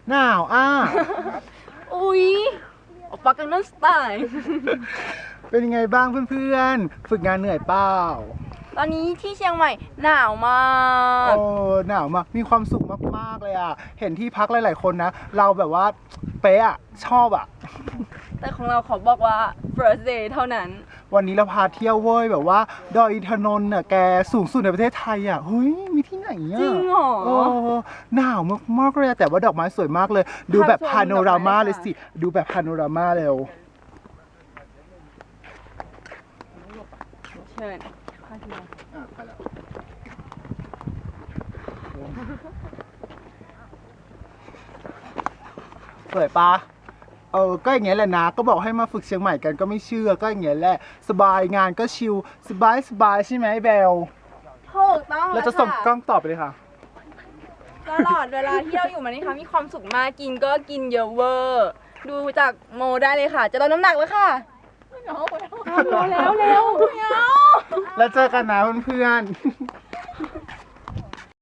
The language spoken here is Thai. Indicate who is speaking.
Speaker 1: หนาว
Speaker 2: อุ๊ยโอปากังนัมสไตล์
Speaker 1: เป็นยังไงบ้างเพื่อนๆฝึกงานเหนื่อยเปล่า
Speaker 2: ตอนนี้ที่เชียงใหม่หนาวมาก
Speaker 1: โอ้หนาวมากมีความสุขมากๆเลยอ่ะเห็นที่พักหลายๆคนนะเราแบบว่าเป๊ะอ่ะชอบอ่ะ
Speaker 2: แต่ของเราขอบอกว่า first day เท่านั้น
Speaker 1: วันนี้เราพาเที่ยวเว้ยแบบว่าดอยอินทนนท์น่ะแกสูงสุดในประเทศไทยอ่ะเฮ้ยมีที่ไหนอ่ะ
Speaker 2: จริงเหรอ
Speaker 1: โอ้หนาวมากๆเลยอะแต่ว่าดอกไม้สวยมากเลย ดูแบบ
Speaker 2: ภาพชม
Speaker 1: พาโนรามา
Speaker 2: ดอกไม้
Speaker 1: เลยสิดูแบบพาโนรามาเร็ว
Speaker 2: เชิญ
Speaker 1: ไปแล้วสวยปะก็อย่างเงี้ยแหละนะก็บอกให้มาฝึกเชียงใหม่กันก็ไม่เชื่อก็อย่างเงี้ยแหละสบายงานก็ชิลสบายใช่ไหมเบล
Speaker 2: ถูกต้อง
Speaker 1: เราจะส่งกล้องต่อไปเลยค่ะ
Speaker 2: ตลอดเวลาที่เราอยู่มานี่ค่ะมีความสุขมากกินก็กินเยอะเวอร์ดูจากโมได้เลยค่ะ จะลดน้ำหนักแล้วค่ะเร็ว
Speaker 1: แล้วเจอกันนะเพื่อนๆ